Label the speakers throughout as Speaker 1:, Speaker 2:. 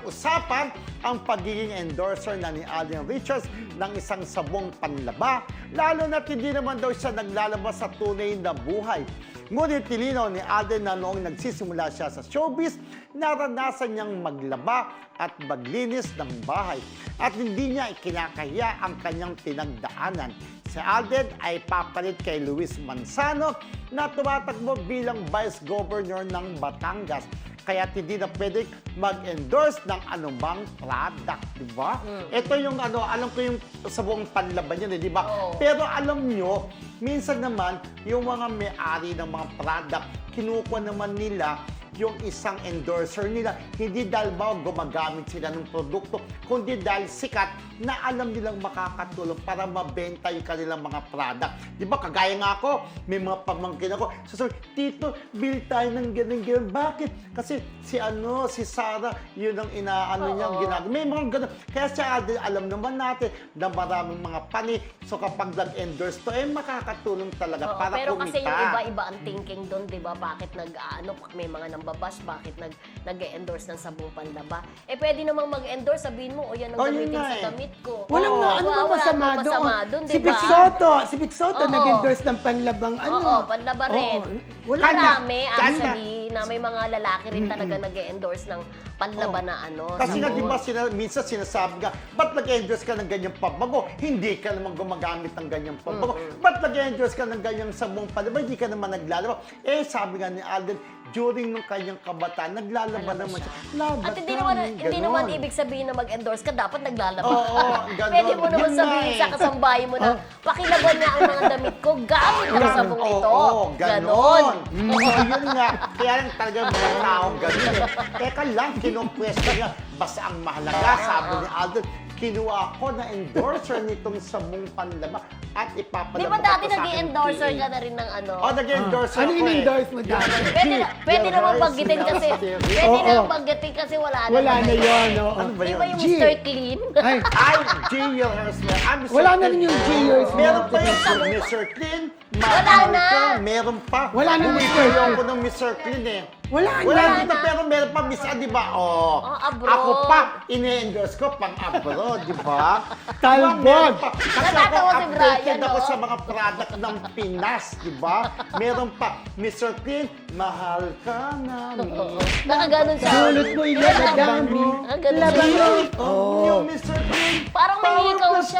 Speaker 1: usapan ang pagiging endorser na ni Alden Richards ng isang sabong panlaba, lalo na't hindi naman daw siya naglalabas sa tunay na buhay. Ngunit nilinaw ni Alden na noong nagsisimula siya sa showbiz, naranasan niyang maglaba at maglinis ng bahay at hindi niya ikinakahiya ang kanyang pinagdaanan. Si Alden ay papalit kay Luis Manzano na tumatakbo bilang Vice Governor ng Batangas. Kaya hindi na pwede mag-endorse ng anumang product, di ba? Ito yung alam ko yung sabong panlaban yun, di ba?
Speaker 2: Oo.
Speaker 1: Pero alam nyo, minsan naman, yung mga may-ari ng mga product, kinukuha naman nila yung isang endorser nila, hindi dahil ba gumagamit sila ng produkto, kundi dahil sikat na alam nilang makakatulong para mabenta yung kanilang mga product. Di ba, kagaya nga ako, may mga pamangkin ako, sasabi, Tito, bill tayo ng ganun. Bakit? Kasi si Sarah, yun ang niyang ginagawa. May mga ganun. Kaya siya, alam naman natin na maraming mga pani. So kapag nag-endorse to, makakatulong talaga para
Speaker 2: pero
Speaker 1: kumita.
Speaker 2: kasi yung iba-iba ang thinking doon, di ba? Bakit may mga nambabas, bakit nag-endorse ng sabong panlaba? Pwede namang mag-endorse, sabihin mo, yan ang gamitin sa damit ko.
Speaker 3: Walang ano ba masama doon?
Speaker 2: di
Speaker 3: Si
Speaker 2: ba?
Speaker 3: Vic Soto
Speaker 2: Oo.
Speaker 3: nag-endorse ng panlabang
Speaker 2: Oo, panlaba rin.
Speaker 3: Oo. Wala
Speaker 2: Marami, actually, na may mga lalaki rin talaga nag-endorse ng panlaba na
Speaker 1: Kasi nga,
Speaker 2: sabon.
Speaker 1: di ba, minsan sinasabi nga, ba't nag-endorse ka ng ganyang pabago? Hindi ka naman gumagamit ng ganyang pabago. Ba't nag-endorse ka ng ganyang sabong panlaba? Hindi ka naman naglalaba. Sabi nga ni Alden, during nung kanyang kabataan, naglalaba naman siya.
Speaker 2: At hindi naman ibig sabihin na mag-endorse ka, dapat naglalaba
Speaker 1: Oo,
Speaker 2: ka.
Speaker 1: ganon.
Speaker 2: Pwede mo naman
Speaker 1: Yun nga
Speaker 2: sabihin sa
Speaker 1: eh.
Speaker 2: kasambahay mo na, pakilaban niya ang mga damit ko, gamit ang sabong ito.
Speaker 1: Oo, ganon.
Speaker 2: Ganon.
Speaker 1: Yun nga. Kaya lang talaga mga taong ganon eh. Teka lang, kinumpresta niya. Basta ang mahalaga, sabi ni Alden, kinuha ko na endorser nitong sabong panlaba at ipapalabas
Speaker 2: Di ba dati
Speaker 1: ko sa aking
Speaker 2: nag-endorser
Speaker 1: PA.
Speaker 2: ka na rin ng ano?
Speaker 1: Nag-endorser
Speaker 3: Ano
Speaker 1: ako
Speaker 3: yung endorse mo dati?
Speaker 2: Pwede naman banggitin kasi, pwede
Speaker 3: Oo.
Speaker 2: naman banggitin kasi wala na.
Speaker 3: Wala na yun. oo.
Speaker 1: Ano ba
Speaker 2: Di
Speaker 1: yun?
Speaker 2: ba yung
Speaker 3: G.
Speaker 2: Mr. Clean?
Speaker 3: Ay,
Speaker 1: Ay, J.R. Hersman.
Speaker 3: Wala na rin yung J.R.
Speaker 1: Meron pa yung Mr. Clean.
Speaker 2: Wala na.
Speaker 1: Meron pa.
Speaker 3: Wala na Mr.
Speaker 1: Bumibili
Speaker 3: Clean.
Speaker 1: ako ng Mr. Clean eh.
Speaker 3: Wala
Speaker 1: dito,
Speaker 2: na.
Speaker 1: pero meron pa, Miss di ba?
Speaker 2: abroad.
Speaker 1: Ako pa, ine-endorse ko pang abroad, di ba?
Speaker 3: Talbot.
Speaker 1: Meron pa. Kasi ako,
Speaker 2: Natatawa si Brian,
Speaker 1: updated ako
Speaker 2: no?
Speaker 1: sa mga product ng Pinas, di ba? Meron pa, Mr. Clean, mahal ka namin.
Speaker 2: Nakaganon siya.
Speaker 3: dulot mo yung labadami.
Speaker 2: Ang ganon siya.
Speaker 3: Labadami.
Speaker 1: Yung Mr. Clean,
Speaker 2: Parang may hikaw siya.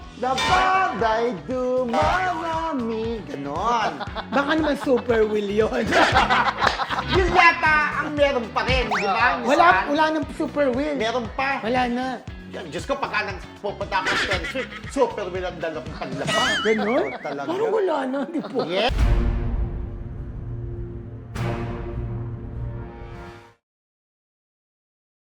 Speaker 1: Dapaday dumarami. Ganon.
Speaker 3: Baka naman super will yun.
Speaker 1: Yun yata ang meron pa rin, di ba?
Speaker 3: wala nang super will.
Speaker 1: Meron pa.
Speaker 3: Wala na.
Speaker 1: Diyos ko, pagka pupunta ako sa Taylor Swift, super will ang dala kong paglabas.
Speaker 3: Ganon?
Speaker 1: Talaga.
Speaker 3: Parang wala na, di po.
Speaker 1: Yeah.